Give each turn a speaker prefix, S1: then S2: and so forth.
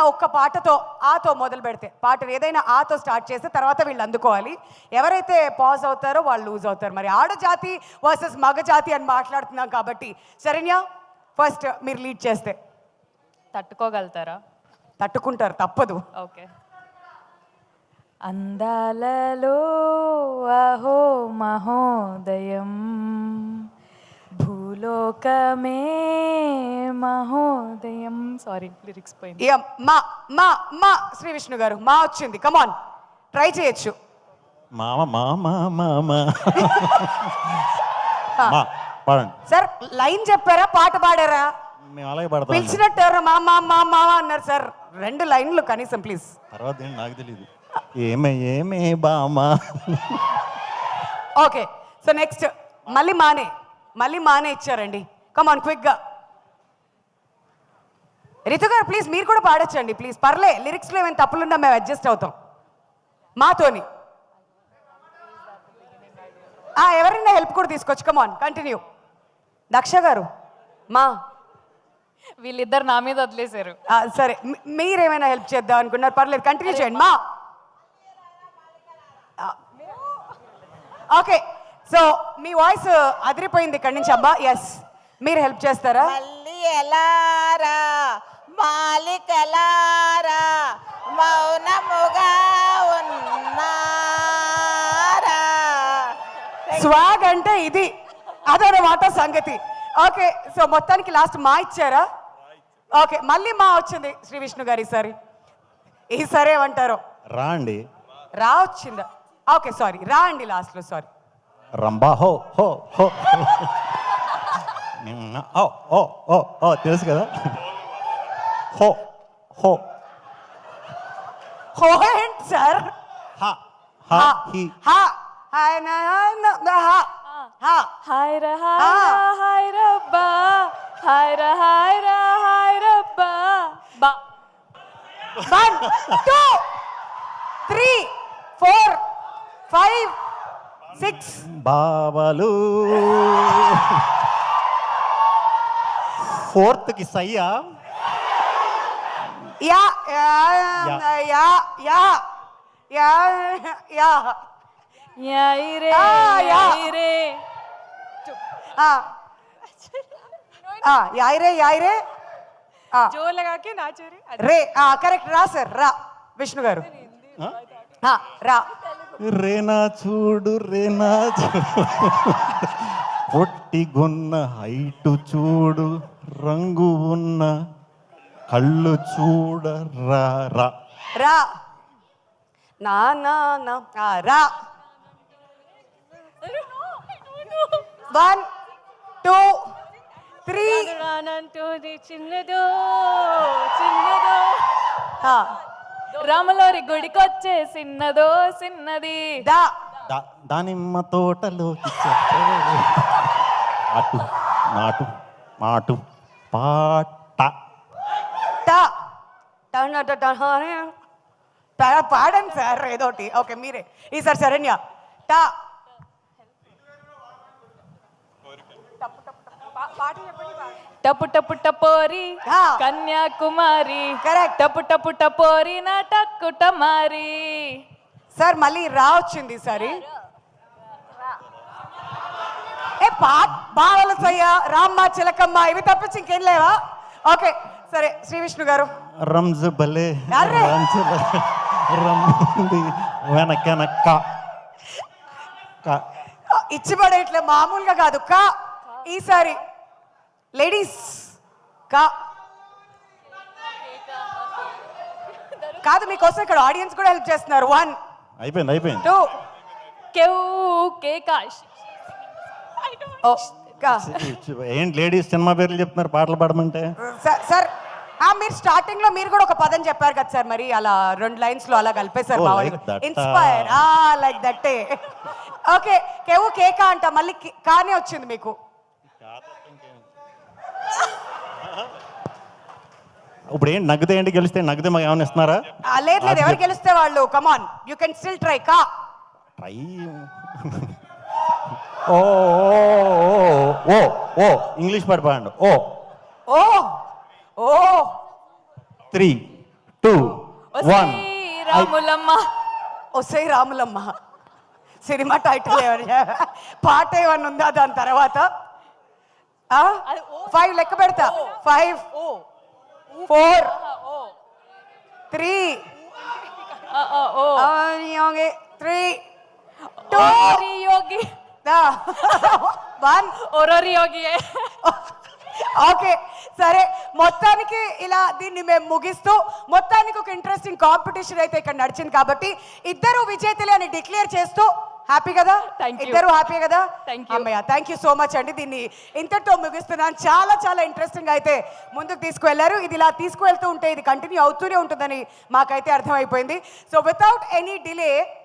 S1: ఒక్క పాటతో ఆతో మొదలు పెడితే పాట ఏదైనా ఆతో స్టార్ట్ చేస్తే తర్వాత వీళ్ళు అందుకోవాలి. ఎవరైతే పాజ్ అవుతారో వాళ్ళు లూజ్ అవుతారు. మరి ఆడజాతి వర్సెస్ మగ జాతి అని మాట్లాడుతున్నాం కాబట్టి శరణ్య ఫస్ట్ మీరు లీడ్ చేస్తే.
S2: తట్టుకోగలుగుతారా?
S1: తట్టుకుంటారు, తప్పదు.
S2: ఓకే. అందాలలో అహో మహోదయం, భూలోకమే మహోదయం. సారీ లిరిక్స్ పోయింది.
S1: మా మా మా శ్రీ విష్ణు గారు మా వచ్చింది, కమాన్ ట్రై చేయొచ్చు.
S3: మామ మామ మామ పాడండి
S1: సార్. లైన్ చెప్పారా, పాట పాడారా?
S3: మేము అలాగే పాడతాం.
S1: పిలిచినట్టు మా మా మా మా అన్నారు సార్. 2 లైన్లు కనీసం ప్లీజ్.
S3: తర్వాత ఏంటి నాకు తెలియదు. ఏమే ఏమే బామా.
S1: ఓకే, సో నెక్స్ట్ మళ్ళీ మానే ఇచ్చారండి. కమాన్ క్విక్గా. రితు గారు ప్లీజ్ మీరు కూడా పాడొచ్చండి ప్లీజ్. పర్లే, లిరిక్స్లో ఏమైనా తప్పులున్నా మేము అడ్జస్ట్ అవుతాం మాతోని. ఎవరైనా హెల్ప్ కూడా తీసుకోవచ్చు. కమాన్ కంటిన్యూ. దక్ష గారు మా
S2: వీళ్ళిద్దరు నా మీద వదిలేశారు.
S1: సరే, మీరేమైనా హెల్ప్ చేద్దాం అనుకున్నారు, పర్లేదు కంటిన్యూ చేయండి మా. ఓకే, సో మీ వాయిస్ అదిరిపోయింది ఇక్కడి నుంచి అబ్బా. ఎస్, మీరు హెల్ప్ చేస్తారా?
S4: మళ్ళీ ఎలారా మాలికలారా మౌనముగా ఉన్నారా.
S1: స్వాగ్ అంటే ఇది, అదనమాట సంగతి. ఓకే, సో మొత్తానికి లాస్ట్ మా ఇచ్చారా? ఓకే, మళ్ళీ మా వచ్చింది శ్రీ విష్ణు గారు ఈసారి. ఈసారి ఏమంటారు?
S3: రా అండి.
S1: రా వచ్చిందా? ఓకే సారీ, రా అండి లాస్ట్లో. సారీ.
S3: రంబా హో హో హో ఓ ఓ ఓ ఓ తెలుసు కదా. హో హో
S1: హో ఏంటి సార్?
S3: హా హా హి
S1: హా హాయ్ నా హా హా
S2: హాయ్ రా హాయ్ రబ్బా, హాయ్ రా హాయ్ రబ్బా బా.
S1: 1 2 3 4 5 6
S3: బావలు. ఫోర్త్కి సయ్యా.
S1: యా యా యా యా యా యా
S2: యాయి రే
S1: యా
S2: యాయి రే.
S1: యాయ్ రే
S2: జో లగా కే నాచో రే.
S1: రే కరెక్ట్. రా సార్, రా విష్ణు గారు. రా
S3: రేనా చూడు రేనా చూడు, పొట్టిగున్న హైటు చూడు, రంగు ఉన్న కళ్ళు చూడ రా రా
S1: రా నా నా నా రా. 1 2 3
S2: చిన్నదో చిన్నదో రామలోరి గుడికొచ్చే చిన్నదో చిన్నది.
S1: దా
S3: దానిమ్మ తోటలోకి అటు నాటు మాటు పాట.
S1: పాడండి సార్ ఏదోటి. ఓకే మీరే ఈసారి. శరణ్య టా.
S2: టపు టపు టపోరి కన్యాకుమారి.
S1: కరెక్ట్.
S2: టపు టపు టపోరి నా టక్కు టమారి.
S1: సార్ మళ్ళీ రా వచ్చింది ఈసారి. బావల సయ్య, రామ్మ చిలకమ్మ ఇవి తప్పించి ఇంకేం లేవా? ఓకే సరే, శ్రీ విష్ణు గారు.
S3: రంజు భలే రంజు భలే రమ్మంది వెనకనక్క.
S1: ఇచ్చి పడేట్లే మామూలుగా కాదు. కా ఈసారి లేడీస్ కా కాదు, మీకోసం ఇక్కడ ఆడియన్స్ కూడా హెల్ప్ చేస్తున్నారు. 1
S3: అయిపోయింది
S1: 2
S2: కేవ్ కేకాష్.
S3: ఏంటి లేడీస్ సినిమా పేర్లు చెప్తున్నారు పాటలు పాడమంటే?
S1: సార్ మీరు స్టార్టింగ్ లో మీరు కూడా ఒక పదం చెప్పారు కదా సార్, మరి అలా 2 లైన్స్ లో అలా కలిపేశారు. ఇన్స్పైర్ లైక్ దట్టే. ఓకే, కేవు కేకా అంట, మళ్ళీ కానే వచ్చింది మీకు.
S3: ఇప్పుడు ఏంటి నగ్గితే ఏంటి గెలిస్తే నగ్గితే మాకు ఏమైనా ఇస్తున్నారా?
S1: లేదు లేదు, ఎవరు గెలిస్తే వాళ్ళు. Come on you can still try. కా
S3: ట్రై. ఓ ఓ ఓ ఇంగ్లీష్ పాట పాడండి. ఓ
S1: ఓ ఓ
S3: 3 2
S2: ఒసై
S3: 1
S2: రాములమ్మ
S1: ఒసై రాములమ్మ సినిమా టైటిల్ ఏమన్నా పాట ఏమన్నా ఉందా దాని తర్వాత 5 లెక్క పెడతా 5 4 3
S2: ఓ
S1: 3
S2: ఓరోరి యోగి
S1: 1
S2: ఓరోరి యోగి
S1: ఓకే సరే మొత్తానికి ఇలా దీన్ని మేము ముగిస్తూ మొత్తానికి ఒక ఇంట్రెస్టింగ్ కాంపిటీషన్ అయితే ఇక్కడ నడిచింది కాబట్టి ఇద్దరు విజేతలే అని డిక్లేర్ చేస్తూ హ్యాపీ కదా
S2: Thank you.
S1: ఇద్దరు హ్యాపీ కదా
S2: Thank you.
S1: అమ్మయ్య థ్యాంక్ యూ సో మచ్ అండి దీన్ని ఇంతటితో ముగిస్తున్నాను చాలా చాలా ఇంట్రెస్టింగ్ అయితే ముందుకు తీసుకువెళ్ళారు ఇది ఇలా తీసుకువెళ్తూ ఉంటే ఇది కంటిన్యూ అవుతూనే ఉంటుందని మాకైతే అర్థమైపోయింది సో వితౌట్ ఎనీ డిలే